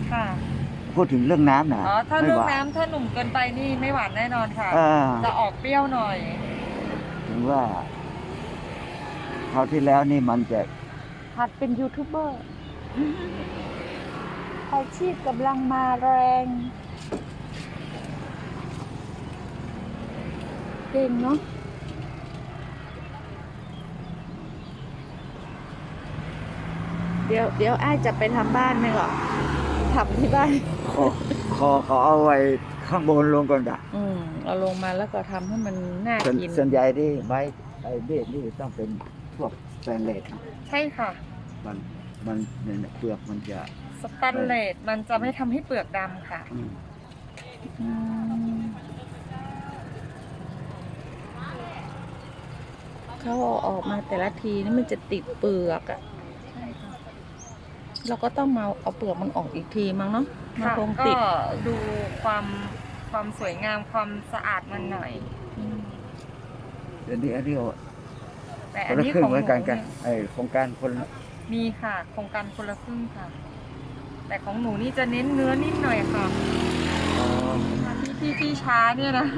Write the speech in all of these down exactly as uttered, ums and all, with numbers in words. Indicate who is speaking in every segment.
Speaker 1: ค่ะ
Speaker 2: พูดถึงเรื่องน้ำนะ
Speaker 1: อ๋อถ้า
Speaker 2: ไม่
Speaker 1: เรื่อง
Speaker 2: หวาน
Speaker 1: น้ำถ้าหนุ่มเกินไปนี่ไม่หวานแน่นอนค่ะ
Speaker 2: อ่า
Speaker 1: จะออกเปรี้ยวหน่อย
Speaker 2: ถึงว่าคราวที่แล้วนี่มันจะ
Speaker 3: หัดเป็นยูทูบเบอร์อาชีพกำลังมาแรง เก่งเนาะเดี๋ยวเดี๋ยวอ้ายจะไปทำบ้านไหมก่อนทำที่บ้าน
Speaker 2: ขอขอเขาเอาไว้ข้างบนลงก่อนจ้ะ
Speaker 3: อืมเอาลงมาแล้วก็ทำให้มันน่า
Speaker 2: ส่วน
Speaker 3: กิน
Speaker 2: ส่วนใหญ่ที่ไม้ไอ้เบสนี่ต้องเป็นพวกสแตนเลสนะ
Speaker 1: ใช่ค่ะ
Speaker 2: มันมันเนี่ยเปลือกมันจะ
Speaker 1: สแตนเลสมันจะไม่ทำให้เปลือกดำค่ะ
Speaker 2: อืม
Speaker 3: อืมเขาเอาออกมาแต่ละทีนี่มันจะติดเปลือกอะ
Speaker 1: ใช่ค่ะ
Speaker 3: เราก็ต้องมาเอาเปลือกมันออกอีกทีมั้งเนาะมัน
Speaker 1: ค่ะ
Speaker 3: คง
Speaker 1: ก็
Speaker 3: ติด
Speaker 1: ดูความความสวยงามความสะอาดมันหน่อย
Speaker 3: อืม
Speaker 2: เดี๋ยวนี้อันนี้
Speaker 1: แต่
Speaker 2: ค
Speaker 1: อัน
Speaker 2: นละ
Speaker 1: นี้
Speaker 2: ครึ่
Speaker 1: ข
Speaker 2: ง
Speaker 1: อง
Speaker 2: เห
Speaker 1: ห
Speaker 2: มื
Speaker 1: นู
Speaker 2: อนกันกัน
Speaker 1: เนี่ย
Speaker 2: ไอ้โครงการคนละ
Speaker 1: มีค่ะ โครงการคนละครึ่งค่ะ แต่ของหนูนี่จะเน้นเนื้อนิ่มหน่อยค่ะ
Speaker 2: อ๋อ
Speaker 1: ที่ที่ที่ช้าเนี่ยนะ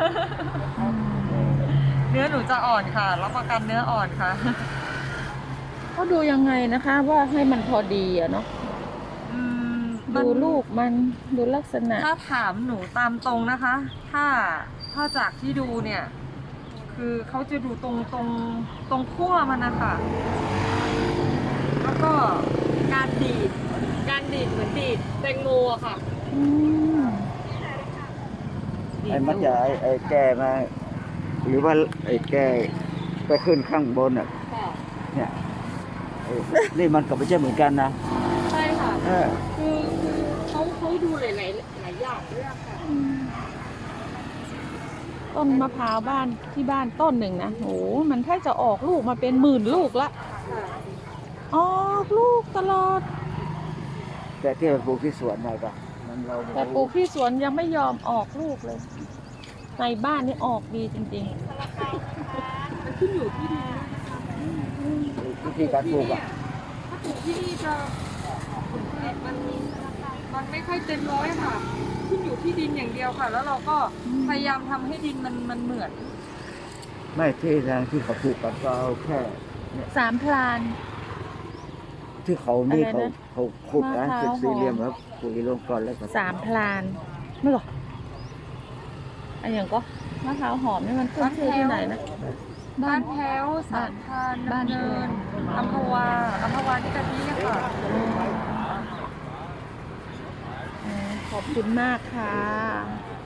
Speaker 1: เนื้อหนูจะอ่อนค่ะรับประกันเนื้ออ่อนค่ะ
Speaker 3: เขาดูยังไงนะคะ ว่าให้มันพอดีอะเนาะ
Speaker 1: อืมมัน
Speaker 3: ดูลูกมันดูลักษณะ
Speaker 1: ถ้าถามหนูตามตรงนะคะ ถ้าถ้าจากที่ดูเนี่ย คือเขาจะดูตรงตรงตรงขั้วมันนะคะแล้วก็การดีด การดีดเหมือนดีดแตงโมอะค่ะ
Speaker 3: อืม
Speaker 2: ไอ้มันจะไอ้ไอ้แก่มา หรือว่าไอ้แก่ไปขึ้นข้างบนอ่ะ
Speaker 1: ค่ะ
Speaker 2: เนี่ยไอ้นี่มันก็ไม่ใช่เหมือนกันนะ
Speaker 1: ใช่ค่ะ
Speaker 2: เออ
Speaker 1: คือคือเขาเขาดูหลายหลายหลายอย่างด้วยอะค่ะ
Speaker 3: ต้นมะพร้าวบ้านที่บ้านต้นหนึ่งนะโหมันถ้าจะออกลูกมาเป็นหมื่นลูกละ
Speaker 1: ค่ะ
Speaker 3: ออกลูกตลอด
Speaker 2: แต่ที่เราปลูกที่สวนหน่อยก็มันเรา
Speaker 3: แต่ปลูกที่สวนยังไม่ยอมออกลูกเลย ในบ้านนี่ออกดีจริง
Speaker 1: มันขึ้นอยู่ที่ดินด้วยนะคะ
Speaker 2: วิธีการปลูกอ่ะ
Speaker 1: ถ้าปลูกที่นี่จะผลผลิตมันมันไม่ค่อยเต็มร้อยค่ะ ขึ้นอยู่ที่ดินอย่างเดียวค่ะ แล้วเราก็พยายามทำให้ดินมันมันเหมือน
Speaker 2: ไม่ที่ทางที่เขาปลูกกันก็เอาแค่
Speaker 3: ๆ สามพลาน
Speaker 2: ที่เขานี่
Speaker 3: อะไร
Speaker 2: เขา
Speaker 3: นะ
Speaker 2: เขาขุดนะ
Speaker 3: มะพร้าว
Speaker 2: เป็นสี่เหลี่ยม
Speaker 3: หอม
Speaker 2: ครับปุ๋ยลงก่อนแล้วก็
Speaker 3: สามพลานไม่หรออันอย่างก็มะพร้าวหอมนี่มันขึ้นชื่อที่ไหนนะ
Speaker 1: บ้านแพ้วสามพาน
Speaker 3: บ้าน
Speaker 1: ดำเนินอัมพวาอัมพวาที่กะทิอะค่ะ
Speaker 3: อืมขอบคุณมากค่ะ